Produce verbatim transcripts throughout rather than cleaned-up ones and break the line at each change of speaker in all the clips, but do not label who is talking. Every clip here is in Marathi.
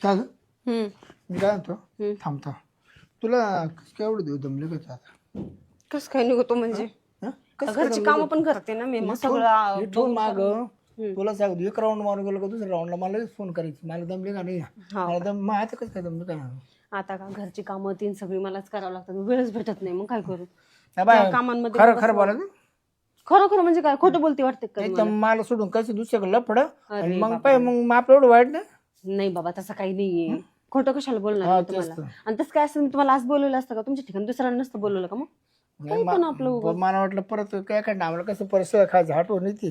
का ग?
हम्म
मी काय म्हणतो थांबतो तुला केवढं देऊ दमले का आता
कस काय निघतो म्हणजे
हं? कसं
घरची कामं पण करते ना मी मग सगळं
इथून माग तुला सांगतो एक राऊंड मारून गेलो का दुसऱ्या राऊंडला मला फोन करायची मला दमले का नाही मला दम मग आता कसं काय दमलं काय
आता का घरची कामं तीन सगळी मलाच करावं लागतात वेळच भेटत नाही मग काय करू
नाही बाय,
त्या कामांमध्ये
खरं खरं बोला ना
खरं खरं म्हणजे काय खोटं बोलते वाटते का
नाही तर मला सोडून कसं दुसऱ्याकडे लफड आणि मग पाय मग आपलं एवढं वाईट ना
नाही बाबा तसं काही नाहीये खोटं कशाला बोलणार मी तुम्हाला आणि तसं काय असं मी तुम्हाला आज बोलवलं असतं का तुमच्या ठिकाणी दुसऱ्यांना नसतं बोलवलं का मग काही पण आपलं उगाच.
मला वाटलं परत काय काय आम्हाला कसं परत खायचं हटवून येते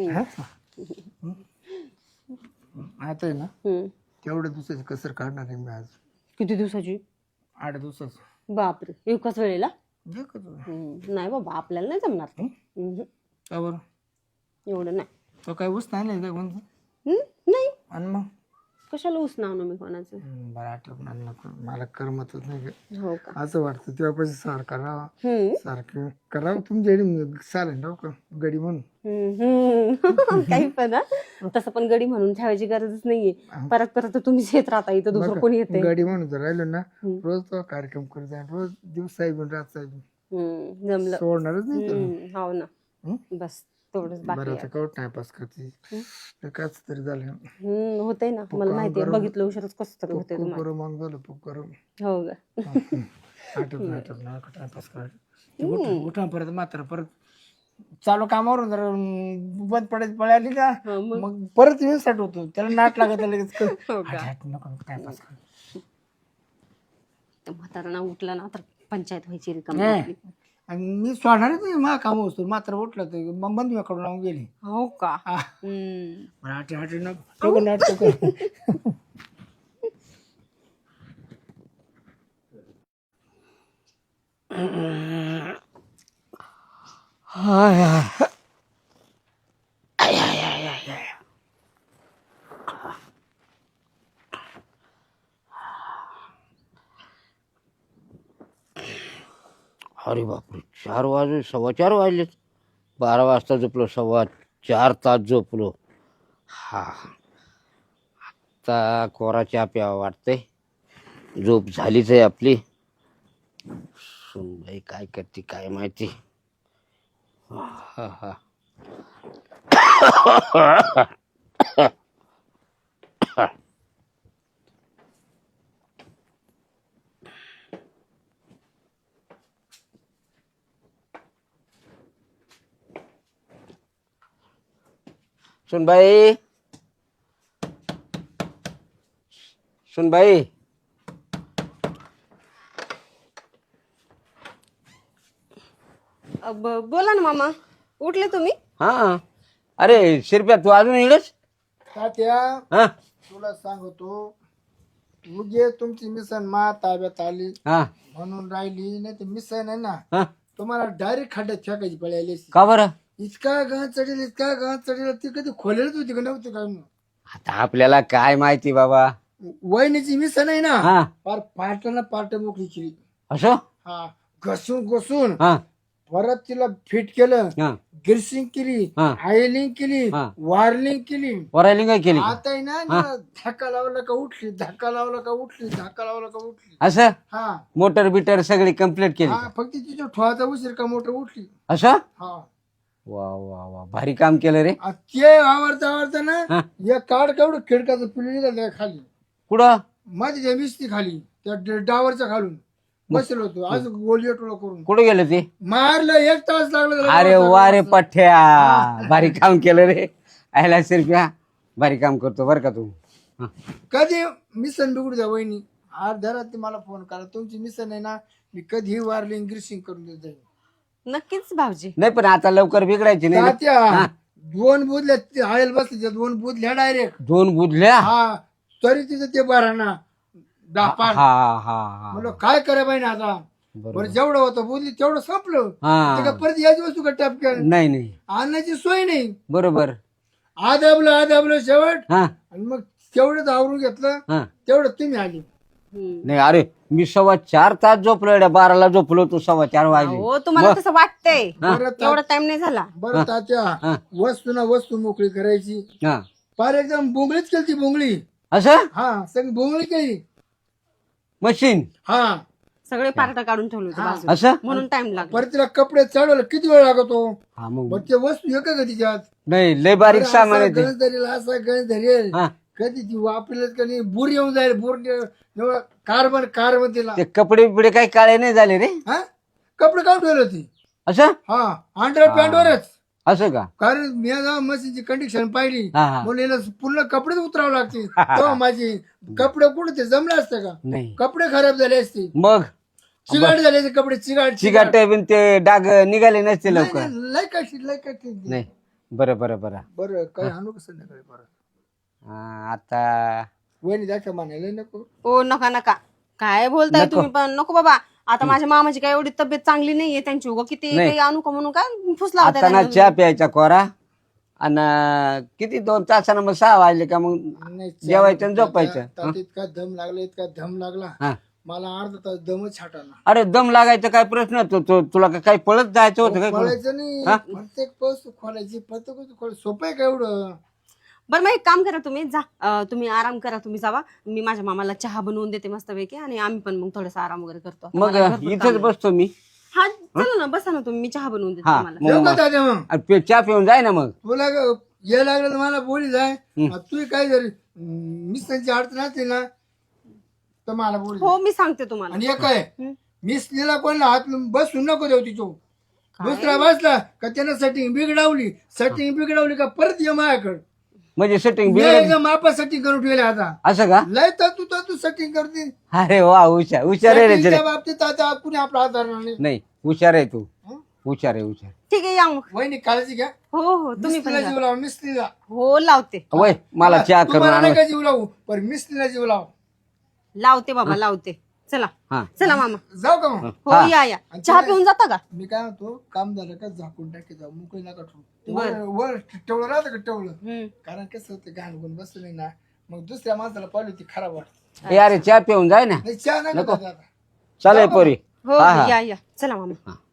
आता आहे ना
हम्म.
तेवढ्या दिवसाची कसर काढणार आहे मी आज
किती दिवसाची
आठ दिवसाचं
बापरे एकाच वेळेला
जे का तुला
हम्म. नाही बाबा आपल्याला नाही जमणार ते. हम्म.
का बरं
एवढं नाही
तो काय ऊस नाही काय कोणतं
हम्म? नाही
आणि मग
कशाला उसना आणू मी कोणाचं
हम्म, बरं आठवण आलं नको मला करमतच नाही गं.
हो का
असं वाटतं तेव्हापाशी सार करावा
हम्म.
सारखं करावं तुमच्या चालेल ना का गडी म्हणून
हम्म. काही पण हा. तसं पण गडी म्हणून ठेवायची गरजच नाहीये परत परत तुम्हीच येत राहता इथं दुसरं कोणी येते
गडी म्हणून जर राहिलो ना रोज तो कार्यक्रम करत जाईल रोज दिवस साहेब रात साहेब
जमलं
सोडणारच नाही तर.
हम्म. हो ना
हं?
बस तेवढंच बाकी
बरं
आहे.
आता कवट टाइमपास करते काच तरी झालं
हम्म होतंय ना मला माहिती आहे बघितलं उशीरच कसं तरी होतंय तुम्हाला
करू मग झालं खूप करू
हो का
आठवत आठवत ना टाइमपास करायचं उठा परत मात्र परत चालू कामावरून जर बंद पडायची पळाली का
हा, मग?
मग परत येऊन स्टार्ट होतो त्याला नाट लागत लगेच
हो का?
टाइमपास कर
म्हातारा उठला ना तर पंचायत व्हायची रिकामी
नाही.
आपली.
आणि मी सोडणारच नाही मा काम असतो मात्र उठलं तर मग बंद कडून लावून गेली
हो का
हा.
हम्म.
मला आठी आठी नको नाटक कर
अरे बापरे चार वाजले सव्वा चार वाजलेत बारा वाजता झोपलो सव्वा चार तास झोपलो हा आता कोरा चहा प्यावा वाटतंय झोप झालीच आहे आपली सुनबाई काय करते काय माहिती हा हा सुनबाई सुनबाई
अ, ब- बोला ना मामा उठले तुम्ही
हा अरे शिरप्या तू अजून इडच
तात्या
हा
तुला सांगतो उगे तुमची मिसन मा ताब्यात आली
हा
म्हणून राहिली नाही तर मिसन आहे ना
हा
तुम्हाला डायरेक्ट खड्ड्यात फेकायची पळायली
का बरं
इतका गहन चढेल इतका गहन चढेल ती कधी खोलेलच होती का नव्हती काय
आता आपल्याला काय माहिती बाबा
वहिनीची मिसन आहे ना
हा
फार पार्टला पार्ट मोकळी केली
असं
हा घसून घसून
हा
परत तिला फिट केलं
हा
गिरसिंग केली
हा.
आयलिंग केली
हा.
वार्लिंग केली
वरायलिंग काय केली
आता आहे ना जरा धक्का लावला का उठली धक्का लावला का उठली धक्का लावला का उठली
असं
हा
मोटर बिटर सगळी कम्प्लीट केली
हा फक्त तिच्या ठोळाचा उशीर का मोटर उठली
असं
हा
वा वा वा भारी काम केलं रे
आ ते आवडता आवडता ना
हा.
या काढ केवढं खिडकाचं पिल्ली त्या खाली
कुठं
माझी त्या विस्ती खाली त्या ड- डावरच्या खालून बसलो होतो आज गोली टोळा करून
कुठं गेलं ते
मारलं एक तास लागला त्याला
अरे
मारायला.
वा रे पठ्या भारी काम केलं रे आयला शिरप्या भारी काम करतो बरं का तू हा.
कधी मिसन बिघडू द्या वहिनी अर्ध्या रात्री मला फोन करा तुमची मिसन आहे ना मी कधीही वारली ग्रीसिंग करून देत जाईल
नक्कीच भाऊजी
नाही पण आता लवकर बिघडायची नाही ना.
तात्या दोन बुधल्या आयल बसले दोन बुधल्या डायरेक्ट
दोन बुधल्या
हा तरी तिथं ते बरा ना दहा
हा
पाच
हा हा
म्हणलं काय करा पाहिजे आता
बरोबर.
बरं जेवढं होतं बुधली तेवढं संपलं
हा
ते का परत याच वस्तू का टपक्या
नाही नाही
आणण्याची सोय नाही
बरोबर
आदाबलं आदाबलं शेवट
हा
आणि मग तेवढंच आवरून घेतलं
हा
तेवढं तुम्ही आली
हम्म.
नाही अरे मी सव्वा चार तास झोपलो एवढ्या बाराला झोपलो तू सव्वा चार वाजले
हो तुम्हाला तसं वाटतंय
बरं ता-
एवढा टाइम नाही झाला
बरं तात्या वस्तू ना वस्तू मोकळी करायची
हा
फार एकदम बोंगळीच केली ती बोंगळी
असं
हा सगळी बोंगळी केली.
मशीन
हा
सगळे पार्ट काढून ठेवले होते बाजूला.
असं
म्हणून टाइम लागला.
परत तिला कपडे चढवले किती वेळ लागतो.
हा मग
मग ते वस्तू एक का तिच्यात
नाही लय बारीक सामान आहे ते.
गणेश धरेल असा गणेश धरेल
हा
कधी ती वापरलेच का नाही बुर येऊन जाईल बुर कार्बन कार्बन तिला.
ते कपडे बिपडे काही काळे नाही झाले रे.
हा कपडे काढून ठेवले होती.
असं
हा अंडर पॅन्टवरच.
असं का
कारण मी आता मशीनची कंडिशन पाहिली
हा हा
म्हणून याला पूर्ण कपडेच उतरावं लागतील. तेव्हा माझी कपडे कुठे ते जमले असते का.
नाही
कपडे खराब झाले असते.
मग
चिगाट झाले असते कपडे चिगाट
चिकाट बिन ते डाग निघाले नसते लवकर.
लय कशी लय कशी
नाही बरं बरं बरं
बरं काही आणू का संध्याकाळी परत.
हा, आता
वहिनी दाखवा म्हणायला नको.
ओ नका नका काय बोलताय तुम्ही पण. नको बाबा आता माझ्या मामाची काय एवढी तब्येत चांगली नाहीये त्यांची उगा किती काही आणू का म्हणून काय फुसला होता
आता ना
त्यांना.
चहा प्यायचा कोरा आणि किती दोन तासानं मग सहा वाजले का मग
नाही,
जेवायचं आणि झोपायचं.
त्यात इतका दम लागला इतका दम लागला
हा.
मला अर्धा तास दमच छाटाना.
अरे दम लागायचा काय प्रश्न तो तो- तुला का- काही पळत जायचं होतं काय
खोलायचं नाही प्रत्येक वस्तू खोलायची प्रत्येक वस्तू खोलायची सोपं आहे का एवढं.
बरं मग एक काम करा तुम्ही जा अं, तुम्ही आराम करा तुम्ही जावा. मी माझ्या मामाला चहा बनवून देते मस्तपैकी आणि आम्ही पण मग थोडासा आराम वगैरे करतो. आता
मग
मला भरपूर
इथंच
काम आहे.
बसतो मी.
हा चला ना बसा ना तुम्ही. मी चहा बनवून देते
हा
तुम्हाला.
मग
येऊ का
मग-
दादा मग
अरे पे- चहा पिऊन जाय ना मग.
तुला ग- ये लागलं तर मला बोली जाय. तू काय जरी मिस्टरची अडचण असते ना तर मला बोली
हो मी सांगते तुम्हाला.
आणि एक आहे
हं.
मिसनीला कोणला हात बसून नको देऊ तिचो. दुसरा बसला का त्यानं सेटिंग बिघडावली सेटिंग बिघडावली का परत ये माझ्याकडे.
म्हणजे सेटिंग
मी
बिघड
एकदम मापा सेटिंग करून ठेवले आता.
असं का.
लय तर तू तर तू सेटिंग करते.
अरे वा हुशार हुशार आहे रे
Setting च्या
रे.
बाबतीत आता कुणी आपला हात धरणार नाही.
नाही हुशार आहे तू.
हं?
हुशार आहे हुशार.
ठीक आहे या मग.
वहिनी काळजी घ्या.
हो हो तुम्ही पण
मिस्त्रीला
जा.
जीव लावा मिस्त्रीला.
हो लावते
वय मला चहा करून
तुम्हाला
आण.
नाही का जीव लावू पण मिस्त्रीला जीव लाव.
लावते बाबा लावते. चला
हा
चला मामा.
जाऊ का मग.
हो या या चहा पिऊन जाता का.
मी काय म्हणतो काम झालं का झाकून टाकी जाऊ मोकळी नका ठेवू.
बरं.
वर वर ठेवलं राहतं का ठेवलं.
हम्म.
कारण कसं होतं घाण गुण बसलं नाही ना मग दुसऱ्या माणसाला पाहिली ती खराब वाटत.
ए अरे चहा पिऊन जाय ना.
नाही चहा नका दादा.
चालेल पोरी.
हो
हा, हा.
या या चला मामा.
हा.